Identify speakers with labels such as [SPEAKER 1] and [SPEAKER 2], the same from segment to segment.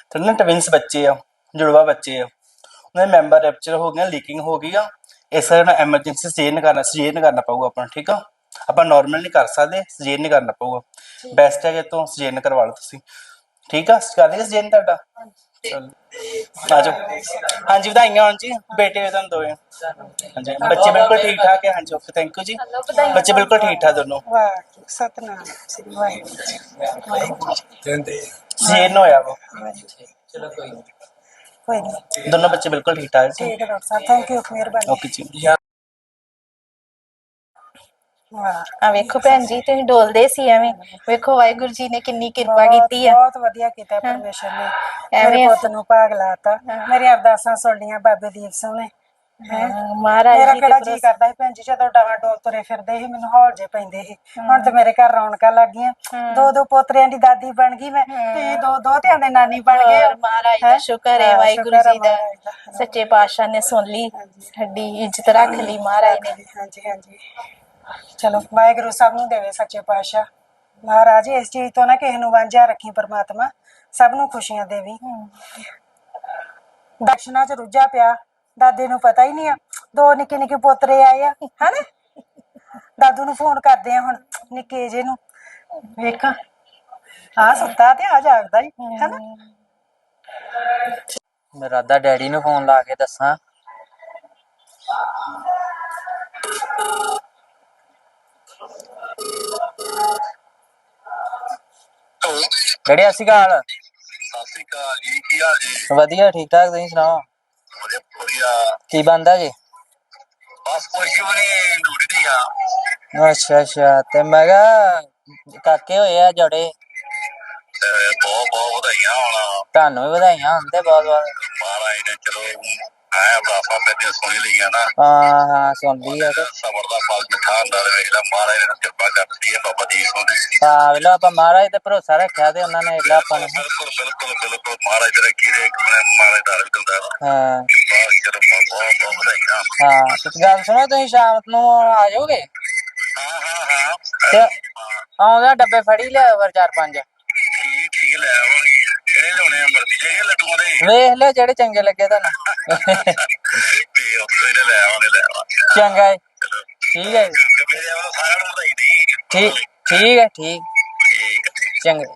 [SPEAKER 1] ਤੇ ਨਾ ਟਵਿੰਸ ਬੱਚੇ ਆ, ਜੁੜਵਾ ਬੱਚੇ ਆ, ਉਹਨਾਂ ਦੇ ਮੈਂਬਰ ਰੈਪਚਰ ਹੋ ਗਏ, ਲੀਕਿੰਗ ਹੋ ਗਈ ਆ। ਇਸ ਕਰਕੇ ਐਮਰਜੈਂਸੀ ਸਜੇਨ ਕਰਨਾ ਪਊਗਾ ਆਪਾਂ ਨੂੰ, ਠੀਕ ਆ। ਆਪਾਂ ਨੋਰਮਲ ਨਹੀਂ ਕਰ ਸਕਦੇ, ਸਜੇਨ ਨਹੀਂ ਕਰਨਾ ਪਊਗਾ। ਬੈਸਟ ਹੈ ਕਿ ਤੋਂ ਸਜੇਨ ਕਰਵਾ ਲਓ ਤੁਸੀਂ, ਠੀਕ ਆ। ਕਰ ਦਿਆ ਸਜੇਨ ਤੁਹਾਡਾ? ਚਲੋ ਆ ਜਾਓ। ਹਾਂਜੀ ਵਧਾਈਆਂ ਹੋਣ ਜੀ, ਬੇਟੇ ਤੁਹਾਨੂੰ ਦੋਵੇਂ। ਹਾਂਜੀ ਬੱਚੇ ਬਿਲਕੁਲ ਠੀਕ ਠਾਕ ਹੈ। ਹਾਂਜੀ ਓਕੇ ਥੈਂਕ ਯੂ ਜੀ, ਬੱਚੇ ਬਿਲकुल ठीक ठाक दोनों।
[SPEAKER 2] सतनाम श्री वाहिगुरू
[SPEAKER 1] सजेन होया वो,
[SPEAKER 2] चलो कोई नहीं,
[SPEAKER 1] दोनों बच्चे बिल्कुल ठीक ठाक जी।
[SPEAKER 2] ठीक है डॉक्टर साहब, थैंक यू, मेहरबानी।
[SPEAKER 1] ओके जी।
[SPEAKER 2] ਆ
[SPEAKER 3] ਵੇਖੋ ਭੈਣ ਜੀ ਤੁਸੀਂ ਡੋਲਦੇ ਸੀ ਐਵੇਂ, ਵੇਖੋ ਵਾਹਿਗੁਰੂ ਜੀ ਨੇ ਕਿੰਨੀ ਕਿਰਪਾ ਕੀਤੀ ਆ।
[SPEAKER 2] ਬਹੁਤ ਵਧੀਆ ਕੀਤਾ ਪਰਮੇਸ਼ਰ ਨੇ, ਮੇਰੇ
[SPEAKER 3] ਐਵੇਂ
[SPEAKER 2] ਪੁੱਤ ਨੂੰ ਭਾਗ ਲਾਤਾ, ਮੇਰੀਆਂ ਅਰਦਾਸਾਂ ਸੁਣ ਲੀਆਂ ਬਾਬੇ ਦੀਪ ਸਿੰਘ ਨੇ।
[SPEAKER 3] ਮਹਾਰਾਜ
[SPEAKER 2] ਮੇਰਾ
[SPEAKER 3] ਜੀ
[SPEAKER 2] ਕਿਹੜਾ ਜੀ ਕਰਦਾ ਸੀ ਭੈਣ ਜੀ, ਜਦੋਂ ਡਾਵਾਂ ਡੋਲ ਤੁਰੇ ਫਿਰਦੇ ਸੀ ਮੈਨੂੰ ਹੌਲ ਜੇ ਪੈਂਦੇ ਸੀ। ਹੁਣ ਤੇ ਮੇਰੇ ਘਰ ਰੌਣਕਾਂ ਲੱਗ ਗਈਆਂ, ਦੋ ਦੋ ਪੋਤਰਿਆਂ ਦੀ ਦਾਦੀ ਬਣ ਗਈ ਮੈਂ, ਤੇ ਦੋ ਦੋਤਿਆਂ ਦੇ ਨਾਨੀ ਬਣ ਗਏ।
[SPEAKER 3] ਮਹਾਰਾਜ ਦਾ ਸ਼ੁਕਰ ਹੈ, ਵਾਹਿਗੁਰੂ ਜੀ ਦਾ, ਸੱਚੇ ਪਾਤਸ਼ਾਹ ਨੇ ਸੁਣ ਲਈ, ਸਾਡੀ ਇੱਜ਼ਤ ਰੱਖ ਲਈ ਮਹਾਰਾਜ ਨੇ।
[SPEAKER 2] ਹਾਂਜੀ ਹਾਂਜੀ, ਚਲੋ ਵਾਹਿਗੁਰੂ ਸਭ ਨੂੰ ਦੇਵੇ ਸੱਚੇ ਪਾਤਸ਼ਾਹ। ਮਹਾਰਾਜ ਇਸ ਚੀਜ਼ ਤੋਂ ਨਾ ਕਿਸੇ ਨੂੰ ਵਾਂਝਾ ਰੱਖੀ ਪਰਮਾਤਮਾ, ਸਭ ਨੂੰ ਖੁਸ਼ੀਆਂ ਦੇਵੀ। ਦਰਸ਼ਨਾਂ ਚ ਰੁੱਝਾ ਪਿਆ, ਦਾਦੇ ਨੂੰ ਪਤਾ ਹੀ ਨਹੀਂ ਆ ਦੋ ਨਿੱਕੇ ਨਿੱਕੇ ਪੋਤਰੇ ਆਏ ਆ, ਹਨਾ। ਦਾਦੂ ਨੂੰ ਫੋਨ ਕਰਦੇ ਆ ਹੁਣ, ਨਿੱਕੇ ਜੇ ਨੂੰ, ਵੇਖਾਂ ਆ ਸੁੱਤਾ ਤੇ ਆ ਜਾਗਦਾ ਹੀ, ਹਨਾ।
[SPEAKER 4] ਮੇਰਾ ਦਾ ਡੈਡੀ ਨੂੰ ਫੋਨ ਲਾ ਕੇ ਦੱਸਾਂ। ਡੈਡੀ ਸਤਿ ਸ਼੍ਰੀ ਅਕਾਲ।
[SPEAKER 5] ਸਤਿ ਸ਼੍ਰੀ ਅਕਾਲ ਜੀ, ਕੀ ਹਾਲ ਜੀ?
[SPEAKER 4] ਵਧੀਆ ਠੀਕ ਠਾਕ, ਤੁਸੀਂ ਸੁਣਾਓ?
[SPEAKER 5] ਵਧੀਆ।
[SPEAKER 4] ਕੀ ਬਣਦਾ ਜੀ?
[SPEAKER 5] ਬਸ ਕੁਛ ਵੀ ਨੀ, ਡਿਊਟੀ ਆ।
[SPEAKER 4] ਅੱਛਾ ਅੱਛਾ, ਤੇ ਮੈਂ ਕਿਹਾ ਕਾਕੇ ਹੋਏ ਆ ਜੋੜੇ।
[SPEAKER 5] ਬਹੁਤ ਬਹੁਤ ਵਧਾਈਆਂ ਹੋਣ।
[SPEAKER 4] ਤੁਹਾਨੂੰ ਵੀ ਵਧਾਈਆਂ ਹੋਣ ਤੇ ਬਹੁਤ ਬਹੁਤ।
[SPEAKER 5] ਮਹਾਰਾਜ ਨੇ ਚਲੋ ਐ ਬਰਾਫਾ ਤੇ ਸੁਣੀ ਲਈਆਂ ਨਾ।
[SPEAKER 4] ਹਾਂ ਹਾਂ ਸੁਣ ਲਈ ਆ ਤੇ
[SPEAKER 5] ਸਬਰ ਦਾ ਫਲ ਮਿੱਠਾ ਹੁੰਦਾ, ਵੇਖ ਲੈ ਮਹਾਰਾਜ ਨੇ ਕਿਰਪਾ ਕਰਦੀ ਹੈ ਬਾਬਾ ਜੀ ਸੋਨੇ।
[SPEAKER 4] ਹਾਂ ਵੇਲੋ ਆਪਾਂ ਮਹਾਰਾਜ ਤੇ ਭਰੋਸਾ ਰੱਖਿਆ ਤੇ ਉਹਨਾਂ ਨੇ ਵੇਖ ਲਾ ਆਪਾਂ ਨੂੰ।
[SPEAKER 5] ਬਿਲਕੁਲ ਬਿਲਕੁਲ ਬਿਲਕੁਲ, ਮਹਾਰਾਜ ਤੇ ਰੱਖੀ ਦੇ, ਮਹਾਰਾਜ ਦਾ ਵੀ ਦਿੰਦਾ।
[SPEAKER 4] ਹਾਂ
[SPEAKER 5] ਚਲੋ ਬਹੁਤ ਬਹੁਤ ਵਧਾਈਆਂ।
[SPEAKER 4] ਹਾਂ ਤੇ ਗੱਲ ਸੁਣੋ, ਤੁਸੀਂ ਸ਼ਾਮ ਨੂੰ ਆ ਜਾਓਗੇ?
[SPEAKER 5] ਹਾਂ ਹਾਂ ਹਾਂ,
[SPEAKER 4] ਤੇ ਆਉਂਦਾ ਡੱਬੇ ਫੜੀ ਲਿਆਓ ਫਿਰ 4-5।
[SPEAKER 5] ਠੀਕ ਠੀਕ, ਲੈ ਆਵਾਂਗੇ। ਕਿਹੜੇ ਲਿਆਉਣੇ ਆ, ਬਰਫੀ ਦੇ ਲੱਡੂਆਂ ਦੇ?
[SPEAKER 4] ਵੇਖ ਲਿਓ ਜਿਹੜੇ ਚੰਗੇ ਲੱਗੇ ਤੁਹਾਨੂੰ।
[SPEAKER 5] ਲੈ ਆਵਾਂਗੇ ਲੈ ਆਵਾਂਗੇ।
[SPEAKER 4] ਚੰਗਾ ਠੀਕ ਹੈ ਜੀ,
[SPEAKER 5] ਮੇਰੇ ਵੱਲੋਂ ਸਾਰਿਆਂ ਨੂੰ ਵਧਾਈ ਦੀ।
[SPEAKER 4] ਠੀਕ ਠੀਕ ਹੈ, ਠੀਕ
[SPEAKER 5] ਠੀਕ
[SPEAKER 4] ਚੰਗਾ।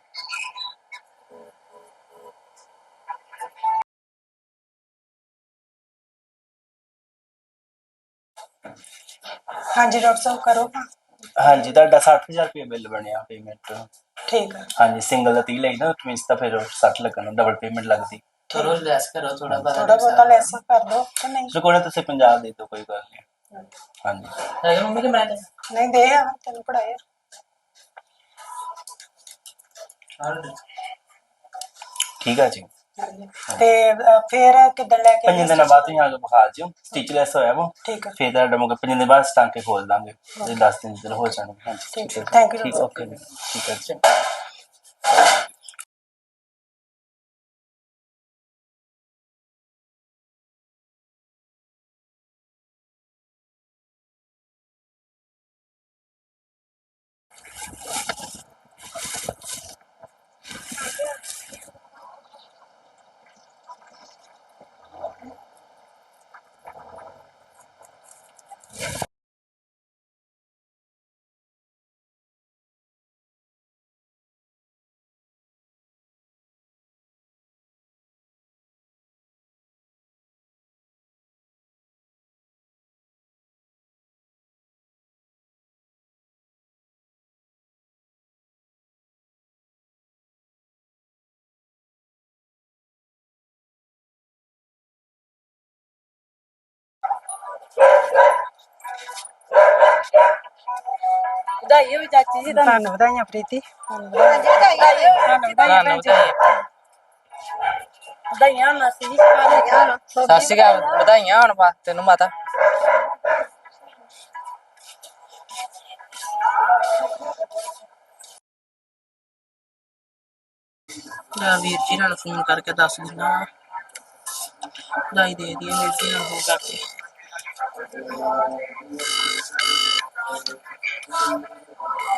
[SPEAKER 2] ਹਾਂਜੀ ਡਾਕਟਰ ਸਾਹਿਬ ਕਰੋ।
[SPEAKER 1] ਹਾਂਜੀ ਤੁਹਾਡਾ 60,000 ਰੁਪਏ ਬਿੱਲ ਬਣਿਆ ਪੇਮੈਂਟ।
[SPEAKER 2] ਠੀਕ ਹੈ।
[SPEAKER 1] ਹਾਂਜੀ ਸਿੰਗਲ ਦਾ 30 ਲਈ ਨਾ, ਟਵਿੰਸ ਦਾ ਫਿਰ 60 ਲੱਗਣਾ, ਡਬਲ ਪੇਮੈਂਟ ਲੱਗਦੀ।
[SPEAKER 4] ਥੋੜਾ ਲੈਸ ਕਰੋ, ਥੋੜਾ
[SPEAKER 2] ਬਹੁਤਾ ਲੈਸ ਕਰ ਦੋ ਕਿ ਨਹੀਂ?
[SPEAKER 1] ਜੋ ਕੋਈ ਨਾ ਤੁਸੀਂ 50 ਦੇ ਦਿਓ, ਕੋਈ ਗੱਲ ਨਹੀਂ। ਹਾਂਜੀ
[SPEAKER 4] ਮੰਮੀ ਕੇ ਮੈਂ
[SPEAKER 2] ਨਹੀਂ ਦੇ ਆ ਤੈਨੂੰ ਪੜਾਇਆ।
[SPEAKER 1] ਠੀਕ ਆ ਜੀ।
[SPEAKER 2] ਤੇ ਫਿਰ ਕਿੱਦਣ ਲੈ ਕੇ
[SPEAKER 1] 5 ਦਿਨਾਂ ਬਾਅਦ ਤੁਸੀਂ ਆ ਕੇ ਵਿਖਾ ਜਿਓ, ਸਟਿਚਲੈਸ ਹੋਇਆ ਵਾ।
[SPEAKER 2] ਠੀਕ ਹੈ।
[SPEAKER 1] ਫਿਰ ਤੁਹਾਡਾ ਮਤਲਬ 5 ਦਿਨ ਬਾਅਦ ਟਾਂਕੇ ਖੋਲ ਦਾਂਗੇ, 10 ਦਿਨ ਜਦੋਂ ਹੋ ਜਾਣਗੇ। ਹਾਂਜੀ
[SPEAKER 2] ਠੀਕ ਹੈ,
[SPEAKER 1] ਠੀਕ
[SPEAKER 2] ਥੈਂਕ ਯੂ।
[SPEAKER 1] ਠੀਕ ਓਕੇ ਜੀ, ਠੀਕ ਹੈ ਜੀ।
[SPEAKER 3] ਵਧਾਈ ਹੋਵੇ ਚਾਚੀ ਜੀ ਤੁਹਾਨੂੰ।
[SPEAKER 2] ਤੁਹਾਨੂੰ ਵਧਾਈਆਂ ਪ੍ਰੀਤੀ।
[SPEAKER 4] ਤੁਹਾਨੂੰ
[SPEAKER 3] ਵਧਾਈਆਂ ਮਾਸੀ ਜੀ।
[SPEAKER 4] ਸਤਿ ਸ਼੍ਰੀ ਅਕਾਲ, ਵਧਾਈਆਂ ਹੋਣ ਤੈਨੂੰ ਮਾਤਾ। ਵੀਰ ਜੀ ਨਾਲ ਫੋਨ ਕਰਕੇ ਦੱਸ ਦਿੰਦਾ, ਵਧਾਈ ਦੇ ਦਈਏ ਵੀਰ ਜੀ ਨਾਲ ਫੋਨ ਕਰਕੇ।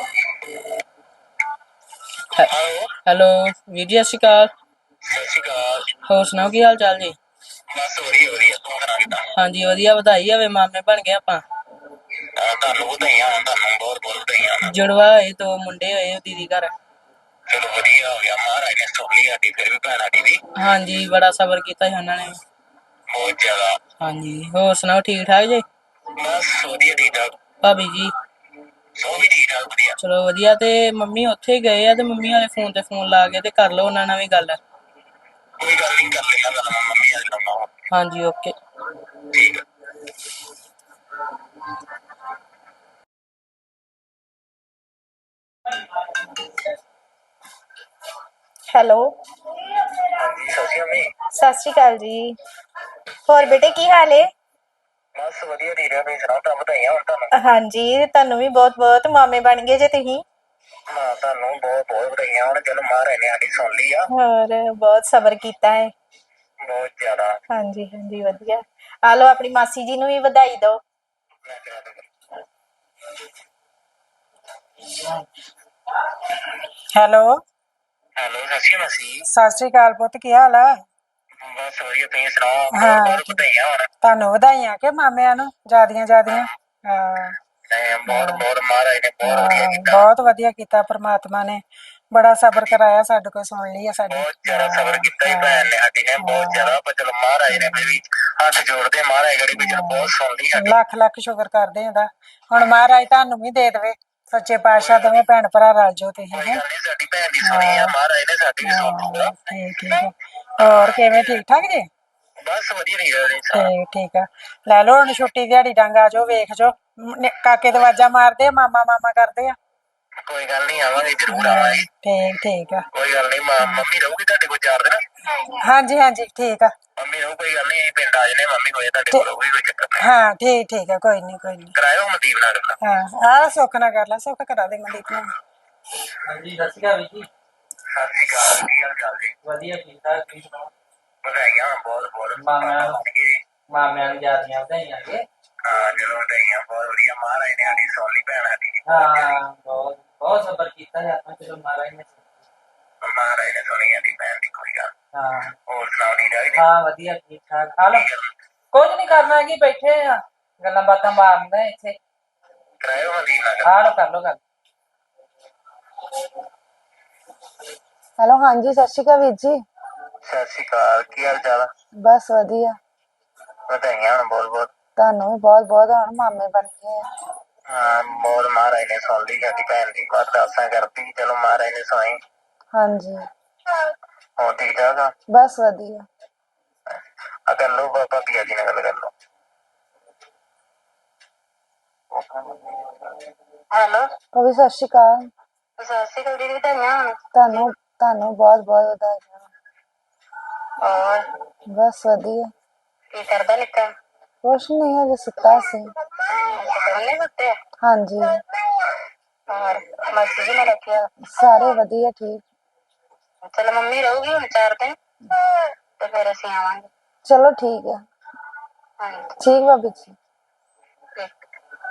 [SPEAKER 4] ਹੈਲੋ ਵੀਰ ਜੀ ਸਤਿ ਸ਼੍ਰੀ ਅਕਾਲ।
[SPEAKER 5] ਸਤਿ ਸ਼੍ਰੀ ਅਕਾਲ।
[SPEAKER 4] ਹੋਰ ਸੁਣਾਓ ਕੀ ਹਾਲ ਚਾਲ ਜੀ?
[SPEAKER 5] ਬਸ ਵਧੀਆ ਵਧੀਆ, ਤੂੰ ਸੁਣਾ ਕਿੱਦਾਂ?
[SPEAKER 4] ਹਾਂਜੀ ਵਧੀਆ, ਵਧਾਈ ਹੋਵੇ, ਮਾਮੇ ਬਣ ਗਏ ਆਪਾਂ।
[SPEAKER 5] ਤੁਹਾਨੂੰ ਵਧਾਈਆਂ ਹੋਣ, ਤੁਹਾਨੂੰ ਬਹੁਤ ਬਹੁਤ ਵਧਾਈਆਂ ਹੋਣ।
[SPEAKER 4] ਜੁੜਵਾ ਹੋਏ, 2 ਮੁੰਡੇ ਹੋਏ ਦੀਦੀ ਘਰ।
[SPEAKER 5] ਚਲੋ ਵਧੀਆ ਹੋ ਗਿਆ, ਮਹਾਰਾਜ ਨੇ ਸੁਣ ਲਈ ਸਾਡੀ, ਫਿਰ ਵੀ ਭੈਣ ਸਾਡੀ ਦੀ
[SPEAKER 4] ਹਾਂਜੀ ਬੜਾ ਸਬਰ ਕੀਤਾ ਸੀ ਉਹਨਾਂ ਨੇ।
[SPEAKER 5] ਬਹੁਤ ਜ਼ਿਆਦਾ।
[SPEAKER 4] ਹਾਂਜੀ ਹੋਰ ਸੁਣਾਓ ਠੀਕ ਠਾਕ ਜੀ?
[SPEAKER 5] ਬਸ ਵਧੀਆ, ਠੀਕ ਠਾਕ।
[SPEAKER 4] ਭਾਬੀ ਜੀ?
[SPEAKER 5] ਸੋ ਵੀ ਠੀਕ ਠਾਕ, ਵਧੀਆ।
[SPEAKER 4] ਚਲੋ ਵਧੀਆ। ਤੇ ਮੰਮੀ ਉੱਥੇ ਹੀ ਗਏ ਆ, ਤੇ ਮੰਮੀ ਵਾਲੇ ਫੋਨ ਤੇ ਫੋਨ ਲਾ ਕੇ ਤੇ ਕਰ ਲਓ ਉਹਨਾਂ ਨਾਲ ਵੀ ਗੱਲ।
[SPEAKER 5] ਕੋਈ ਗੱਲ ਨਹੀਂ, ਕਰ ਲੈਣਾ ਗੱਲ ਮੈਂ ਮੰਮੀ ਨਾਲ ਕਰਨਾ।
[SPEAKER 4] ਹਾਂਜੀ ਓਕੇ।
[SPEAKER 5] ਠੀਕ ਆ।
[SPEAKER 3] ਹੈਲੋ।
[SPEAKER 5] ਹਾਂਜੀ ਸਤਿ ਸ਼੍ਰੀ ਅਕਾਲ ਜੀ।
[SPEAKER 3] ਸਤਿ ਸ਼੍ਰੀ ਅਕਾਲ ਜੀ। ਹੋਰ ਬੇਟੇ ਕੀ ਹਾਲ ਏ?
[SPEAKER 5] ਬਸ ਵਧੀਆ, ਠੀਕ ਆ। ਤੁਸੀਂ ਸੁਣਾਓ, ਤਾਂ ਵਧਾਈਆਂ ਹੋਣ ਤੁਹਾਨੂੰ।
[SPEAKER 3] ਹਾਂਜੀ ਤੁਹਾਨੂੰ ਵੀ ਬਹੁਤ ਬਹੁਤ, ਮਾਮੇ ਬਣ ਗਏ ਜੇ ਤੁਸੀਂ।
[SPEAKER 5] ਹਾਂ ਤੁਹਾਨੂੰ ਬਹੁਤ ਬਹੁਤ ਵਧਾਈਆਂ ਹੋਣ, ਚਲੋ ਮਹਾਰਾਜ ਨੇ ਸਾਡੀ ਸੁਣ ਲਈ ਆ।
[SPEAKER 3] ਹੋਰ ਬਹੁਤ ਸਬਰ ਕੀਤਾ ਹੈ।
[SPEAKER 5] ਬਹੁਤ ਜ਼ਿਆਦਾ।
[SPEAKER 3] ਹਾਂਜੀ ਹਾਂਜੀ ਵਧੀਆ। ਆ ਲਓ ਆਪਣੀ ਮਾਸੀ ਜੀ ਨੂੰ ਵੀ ਵਧਾਈ ਦਿਓ।
[SPEAKER 5] ਮੈਂ ਕਰਾ ਦੂੰਗਾ।
[SPEAKER 2] ਹੈਲੋ।
[SPEAKER 5] ਹੈਲੋ ਸਤਿ ਸ਼੍ਰੀ ਅਕਾਲ ਮਾਸੀ।
[SPEAKER 2] ਸਤਿ ਸ੍ਰੀ ਅਕਾਲ ਪੁੱਤ, ਕੀ ਹਾਲ ਆ?
[SPEAKER 5] ਬਸ ਵਧੀਆ, ਤੁਸੀਂ ਸੁਣਾਓ, ਬਹੁਤ
[SPEAKER 2] ਹਾਂ
[SPEAKER 5] ਬਹੁਤ ਵਧਾਈਆਂ ਹੋਣ।
[SPEAKER 2] ਤੁਹਾਨੂੰ ਵਧਾਈਆਂ ਕਿ ਮਾਮਿਆਂ ਨੂੰ ਜਿਆਦੀਆਂ ਜਿਆਦੀਆਂ। ਹਾਂ
[SPEAKER 5] ਬਹੁਤ ਬਹੁਤ ਮਹਾਰਾਜ ਨੇ ਬਹੁਤ ਵਧੀਆ
[SPEAKER 2] ਹਾਂ
[SPEAKER 5] ਕੀਤਾ।
[SPEAKER 2] ਬਹੁਤ ਵਧੀਆ ਕੀਤਾ ਪ੍ਰਮਾਤਮਾ ਨੇ, ਬੜਾ ਸਬਰ ਕਰਾਇਆ, ਸਾਡੇ ਕੋਲ ਸੁਣ ਲਈ ਆ ਸਾਡੀ।
[SPEAKER 5] ਬਹੁਤ ਜ਼ਿਆਦਾ ਸਬਰ ਕੀਤਾ ਹੀ ਭੈਣ ਨੇ ਸਾਡੀ ਨੇ, ਬਹੁਤ ਜ਼ਿਆਦਾ। ਪਰ ਚਲੋ ਮਹਾਰਾਜ ਨੇ ਫਿਰ ਵੀ ਹੱਥ ਜੋੜਦੇ, ਮਹਾਰਾਜ ਗੜੀ ਵੀ ਚਲੋ ਬਹੁਤ ਸੁਣ ਲਈ ਸਾਡੀ।
[SPEAKER 2] ਲੱਖ ਲੱਖ ਸ਼ੁਕਰ ਕਰਦੇ ਉਹਦਾ। ਹੁਣ ਮਹਾਰਾਜ ਤੁਹਾਨੂੰ ਵੀ ਦੇ ਦੇਵੇ, ਸੱਚੇ ਪਾਤਸ਼ਾਹ ਦੋਵੇਂ ਭੈਣ ਭਰਾ ਰਲ ਜਾਓ ਤੁਸੀਂ।
[SPEAKER 5] ਕੋਈ ਗੱਲ ਨਹੀਂ, ਸਾਡੀ ਭੈਣ ਦੀ ਸੁਣੀ ਆ, ਮਹਾਰਾਜ ਨੇ ਸਾਡੀ ਵੀ ਸੁਣ ਲੂਗਾ।
[SPEAKER 2] ਠੀਕ ਠੀਕ ਆ। ਹੋਰ ਕਿਵੇਂ, ਠੀਕ ਠਾਕ ਜੀ?
[SPEAKER 5] ਬਸ ਵਧੀਆ ਨਹੀਂ ਰਹੇ
[SPEAKER 2] ਠੀਕ ਠੀਕ ਆ। ਲੈ ਲਓ ਹੁਣ ਛੁੱਟੀ, ਦਿਹਾੜੀ ਡੰਗ ਆ ਜਾਓ, ਵੇਖ ਜਾਓ। ਕਾਕੇ ਤੇ ਆਵਾਜ਼ਾਂ ਮਾਰਦੇ ਆ, ਮਾਮਾ ਮਾਮਾ ਕਰਦੇ ਆ।
[SPEAKER 5] ਕੋਈ ਗੱਲ ਨਹੀਂ, ਆਵਾਂਗੇ ਜ਼ਰੂਰ ਆਵਾਂਗੇ।
[SPEAKER 2] ਠੀਕ ਠੀਕ ਆ।
[SPEAKER 5] ਕੋਈ ਗੱਲ ਨਹੀਂ, ਮੰਮੀ ਰਹੂਗੀ ਤੁਹਾਡੇ ਕੋਲ 4 ਦਿਨ।
[SPEAKER 2] ਹਾਂਜੀ ਹਾਂਜੀ ਠੀਕ ਆ।
[SPEAKER 5] ਮੰਮੀ ਰਹੂ, ਕੋਈ ਗੱਲ ਨਹੀਂ, ਅਸੀਂ ਪਿੰਡ ਆ ਜਨੇ, ਮੰਮੀ ਹੋਏ ਤੁਹਾਡੇ ਕੋਲ ਰਹੂਗੀ, ਕੋਈ ਚੱਕਰ ਨਹੀਂ।
[SPEAKER 2] ਹਾਂ ਠੀਕ ਠੀਕ ਆ, ਕੋਈ ਨਹੀਂ ਕੋਈ ਨਹੀਂ।
[SPEAKER 5] ਕਰਾਇਓ ਮਨਦੀਪ ਨਾਲ ਗੱਲ।
[SPEAKER 2] ਹਾਂ ਆਹ ਸੁੱਖ ਨਾਲ ਕਰ ਲੈ, ਸੁੱਖ ਕਰਾ ਦੇ ਮਨਦੀਪ ਨਾਲ।
[SPEAKER 4] ਹਾਂਜੀ ਸਤਿ ਸ਼੍ਰੀ ਅਕਾਲ ਵੀਰ ਜੀ।
[SPEAKER 5] ਸਤਿ ਸ਼੍ਰੀ ਅਕਾਲ, ਕੀ ਹਾਲ ਚਾਲ ਜੀ?
[SPEAKER 4] ਵਧੀਆ ਠੀਕ ਠਾਕ, ਤੁਸੀਂ ਸੁਣਾਓ?
[SPEAKER 5] ਵਧਾਈਆਂ ਬਹੁਤ ਬਹੁਤ।
[SPEAKER 4] ਮਾਮਿਆਂ ਨੂੰ ਜਿਆਦੀਆਂ ਵਧਾਈਆਂ ਜੀ।
[SPEAKER 5] ਹਾਂ ਚਲੋ ਵਧਾਈਆਂ, ਬਹੁਤ ਵਧੀਆ, ਮਹਾਰਾਜ ਨੇ ਸਾਡੀ ਸੁਣ ਲਈ ਭੈਣ ਸਾਡੀ।
[SPEAKER 4] ਹਾਂ ਬਹੁਤ ਬਹੁਤ ਸਬਰ ਕੀਤਾ ਜੀ ਆਪਾਂ, ਚਲੋ ਮਹਾਰਾਜ ਨੇ।
[SPEAKER 5] ਮਹਾਰਾਜ ਨੇ ਸੁਣੀ ਸਾਡੀ ਭੈਣ ਦੀ, ਕੋਈ ਗੱਲ।
[SPEAKER 4] ਹਾਂ
[SPEAKER 5] ਹੋਰ ਸੁਣਾਓ, ਠੀਕ ਠਾਕ ਜੀ?
[SPEAKER 4] ਹਾਂ ਵਧੀਆ ਠੀਕ ਠਾਕ। ਹਾਲ ਕੁਝ ਨਹੀਂ ਕਰਨਾ ਕੀ, ਬੈਠੇ ਆ ਗੱਲਾਂ ਬਾਤਾਂ ਮਾਰਦੇ ਇੱਥੇ।
[SPEAKER 5] ਕਰਾਇਓ ਮਨਦੀਪ ਨਾਲ ਗੱਲ।
[SPEAKER 4] ਹਾਲ ਕਰ ਲੋ ਗੱਲ।
[SPEAKER 6] ਹੈਲੋ ਹਾਂਜੀ ਸਤਿ ਸ਼੍ਰੀ ਅਕਾਲ ਵੀਰ ਜੀ।
[SPEAKER 5] ਸਤਿ ਸ਼੍ਰੀ ਅਕਾਲ, ਕੀ ਹਾਲ ਚਾਲ?
[SPEAKER 6] ਬਸ ਵਧੀਆ।
[SPEAKER 5] ਵਧਾਈਆਂ ਹੋਣ ਬਹੁਤ ਬਹੁਤ।
[SPEAKER 6] ਤੁਹਾਨੂੰ ਵੀ ਬਹੁਤ ਬਹੁਤ, ਹੁਣ ਮਾਮੇ ਬਣ ਗਏ ਆ।
[SPEAKER 5] ਹਾਂ ਬਹੁਤ, ਮਹਾਰਾਜ ਨੇ ਸੁਣ ਲਈ ਸਾਡੀ ਭੈਣ ਦੀ, ਅਰਦਾਸਾਂ ਕਰਦੀ, ਚਲੋ ਮਹਾਰਾਜ ਨੇ ਸੁਣੀ।
[SPEAKER 6] ਹਾਂਜੀ
[SPEAKER 5] ਹੋਰ ਠੀਕ ਠਾਕ ਆ?
[SPEAKER 6] ਬਸ ਵਧੀਆ।
[SPEAKER 5] ਆ ਕਰ ਲਓ, ਭਾਬੀ ਜੀ ਨਾਲ ਗੱਲ ਕਰ ਲਓ। ਹੈਲੋ
[SPEAKER 6] ਉਹ ਵੀ ਸਤਿ ਸ਼੍ਰੀ ਅਕਾਲ।
[SPEAKER 5] ਸਤਿ ਸ਼੍ਰੀ ਅਕਾਲ ਦੀਦੀ, ਵਧਾਈਆਂ ਹੋਣ।
[SPEAKER 6] ਤੁਹਾਨੂੰ ਬਹੁਤ ਬਹੁਤ ਵਧਾਈਆਂ।
[SPEAKER 5] ਹੋਰ
[SPEAKER 6] ਬਸ ਵਧੀਆ।
[SPEAKER 5] ਕੀ ਕਰਦਾ ਨਿੱਕਾ?
[SPEAKER 6] ਕੁਛ ਨੀ, ਹਜੇ ਸੁੱਤਾ ਸੀ।
[SPEAKER 5] ਦੋਨੇ ਸੁੱਤੇ ਆ?
[SPEAKER 6] ਹਾਂਜੀ।
[SPEAKER 5] ਹੋਰ ਮਾਸੀ ਜੀ ਨਾਲ ਰੱਖਿਆ?
[SPEAKER 6] ਸਾਰੇ ਵਧੀਆ ਠੀਕ।
[SPEAKER 5] ਚਲੋ ਮੰਮੀ ਰਹੂਗੀ ਹੁਣ 4 ਦਿਨ, ਤੇ ਫਿਰ ਅਸੀਂ ਆਵਾਂਗੇ।
[SPEAKER 6] ਚਲੋ ਠੀਕ ਹੈ।
[SPEAKER 5] ਹਾਂਜੀ
[SPEAKER 6] ਠੀਕ ਭਾਬੀ ਜੀ।
[SPEAKER 5] ਠੀਕ।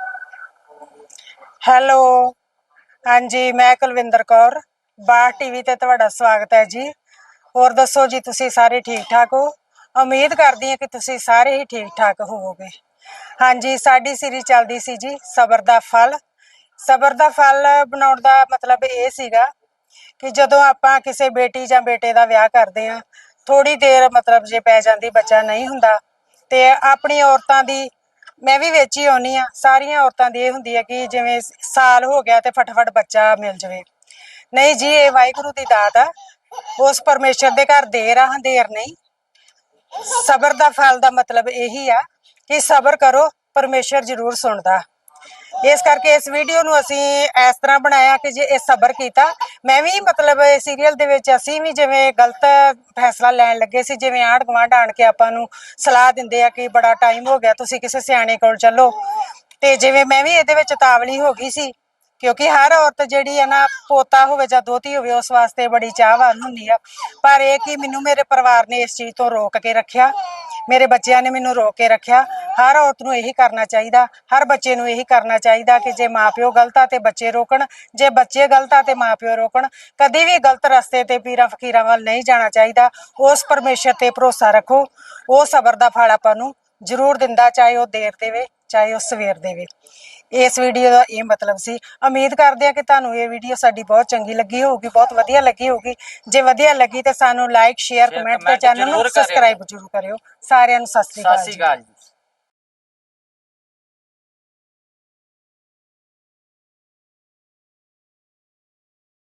[SPEAKER 2] ਹੈਲੋ। ਹਾਂਜੀ ਮੈਂ ਕੁਲਵਿੰਦਰ ਕੌਰ, ਬਾਰ ਟੀਵੀ ਤੇ ਤੁਹਾਡਾ ਸਵਾਗਤ ਹੈ ਜੀ। ਹੋਰ ਦੱਸੋ ਜੀ, ਤੁਸੀਂ ਸਾਰੇ ਠੀਕ ਠਾਕ ਹੋ? ਉਮੀਦ ਕਰਦੀ ਹਾਂ ਕਿ ਤੁਸੀਂ ਸਾਰੇ ਹੀ ਠੀਕ ਠਾਕ ਹੋਵੋਗੇ। ਹਾਂਜੀ ਸਾਡੀ ਸੀਰੀਜ਼ ਚੱਲਦੀ ਸੀ ਜੀ, ਸਬਰ ਦਾ ਫਲ। ਸਬਰ ਦਾ ਫਲ ਬਣਾਉਣ ਦਾ ਮਤਲਬ ਇਹ ਸੀਗਾ ਕਿ ਜਦੋਂ ਆਪਾਂ ਕਿਸੇ ਬੇਟੀ ਜਾਂ ਬੇਟੇ ਦਾ ਵਿਆਹ ਕਰਦੇ ਹਾਂ, ਥੋੜੀ ਦੇਰ ਮਤਲਬ ਜੇ ਪੈ ਜਾਂਦੀ, ਬੱਚਾ ਨਹੀਂ ਹੁੰਦਾ, ਤੇ ਆਪਣੀ ਔਰਤਾਂ ਦੀ, ਮੈਂ ਵੀ ਵਿੱਚ ਹੀ ਆਉਣੀ ਆ, ਸਾਰੀਆਂ ਔਰਤਾਂ ਦੀ ਇਹ ਹੁੰਦੀ ਹੈ ਕਿ ਜਿਵੇਂ ਸਾਲ ਹੋ ਗਿਆ ਤੇ ਫਟਾਫਟ ਬੱਚਾ ਮਿਲ ਜਾਵੇ। ਨਹੀਂ ਜੀ, ਇਹ ਵਾਹਿਗੁਰੂ ਦੀ ਦਾਤ ਆ, ਉਸ ਪਰਮੇਸ਼ਰ ਦੇ ਘਰ ਦੇਰ ਆ, ਹਨੇਰ ਨਹੀਂ। ਸਬਰ ਦਾ ਫਲ ਦਾ ਮਤਲਬ ਇਹੀ ਆ ਕਿ ਸਬਰ ਕਰੋ, ਪਰਮੇਸ਼ਰ ਜ਼ਰੂਰ ਸੁਣਦਾ। ਇਸ ਕਰਕੇ ਇਸ ਵੀਡੀਓ ਨੂੰ ਅਸੀਂ ਇਸ ਤਰ੍ਹਾਂ ਬਣਾਇਆ ਕਿ ਜੇ ਇਹ ਸਬਰ ਕੀਤਾ, ਮੈਂ ਵੀ ਮਤਲਬ ਸੀਰੀਅਲ ਦੇ ਵਿੱਚ ਅਸੀਂ ਵੀ ਜਿਵੇਂ ਗਲਤ ਫੈਸਲਾ ਲੈਣ ਲੱਗੇ ਸੀ, ਜਿਵੇਂ ਆਂਢ ਗੁਆਂਢ ਆਣ ਕੇ ਆਪਾਂ ਨੂੰ ਸਲਾਹ ਦਿੰਦੇ ਆ ਕਿ ਬੜਾ ਟਾਈਮ ਹੋ ਗਿਆ, ਤੁਸੀਂ ਕਿਸੇ ਸਿਆਣੇ ਕੋਲ ਚੱਲੋ, ਤੇ ਜਿਵੇਂ ਮੈਂ ਵੀ ਇਹਦੇ ਵਿੱਚ ਤਾਵਲੀ ਹੋ ਗਈ ਸੀ, ਕਿਉਂਕਿ ਹਰ ਔਰਤ ਜਿਹੜੀ ਹੈ ਨਾ, ਪੋਤਾ ਹੋਵੇ ਜਾਂ ਦੋਤੀ ਹੋਵੇ, ਉਸ ਵਾਸਤੇ ਬੜੀ ਚਾਹਵਾਨ ਹੁੰਦੀ ਆ। ਪਰ ਇਹ ਕਿ ਮੈਨੂੰ ਮੇਰੇ ਪਰਿਵਾਰ ਨੇ ਇਸ ਚੀਜ਼ ਤੋਂ ਰੋਕ ਕੇ ਰੱਖਿਆ, ਮੇਰੇ ਬੱਚਿਆਂ ਨੇ ਮੈਨੂੰ ਰੋਕ ਕੇ ਰੱਖਿਆ। ਹਰ ਔਰਤ ਨੂੰ ਇਹੀ ਕਰਨਾ ਚਾਹੀਦਾ, ਹਰ ਬੱਚੇ ਨੂੰ ਇਹੀ ਕਰਨਾ ਚਾਹੀਦਾ ਕਿ ਜੇ ਮਾਪਿਓ ਗਲਤ ਆ ਤੇ ਬੱਚੇ ਰੋਕਣ, ਜੇ ਬੱਚੇ ਗਲਤ ਆ ਤੇ ਮਾਪਿਓ ਰੋਕਣ। ਕਦੀ ਵੀ ਗਲਤ ਰਸਤੇ ਤੇ ਪੀਰਾਂ ਫਕੀਰਾਂ ਵੱਲ ਨਹੀਂ ਜਾਣਾ ਚਾਹੀਦਾ। ਉਸ ਪਰਮੇਸ਼ਰ ਤੇ ਭਰੋਸਾ ਰੱਖੋ, ਉਹ ਸਬਰ ਦਾ ਫਲ ਆਪਾਂ ਨੂੰ ਜ਼ਰੂਰ ਦਿੰਦਾ, ਚਾਹੇ ਉਹ ਦੇਰ ਦੇਵੇ ਚਾਹੇ ਉਹ ਸਵੇਰ ਦੇਵੇ। ਇਸ ਵੀਡੀਓ ਦਾ ਇਹ ਮਤਲਬ ਸੀ। ਉਮੀਦ ਕਰਦੇ ਆ ਕਿ ਤੁਹਾਨੂੰ ਇਹ ਵੀਡੀਓ ਸਾਡੀ ਬਹੁਤ ਚੰਗੀ ਲੱਗੀ ਹੋਊਗੀ, ਬਹੁਤ ਵਧੀਆ ਲੱਗੀ ਹੋਊਗੀ। ਜੇ ਵਧੀਆ ਲੱਗੀ ਤੇ ਸਾਨੂੰ ਲਾਈਕ, ਸ਼ੇਅਰ, ਕਮੈਂਟ ਤੇ ਚੈਨਲ ਨੂੰ ਸਬਸਕ੍ਰਾਈਬ ਜ਼ਰੂਰ ਕਰਿਓ। ਸਾਰਿਆਂ ਨੂੰ ਸਤਿ ਸ੍ਰੀ ਅਕਾਲ ਜੀ।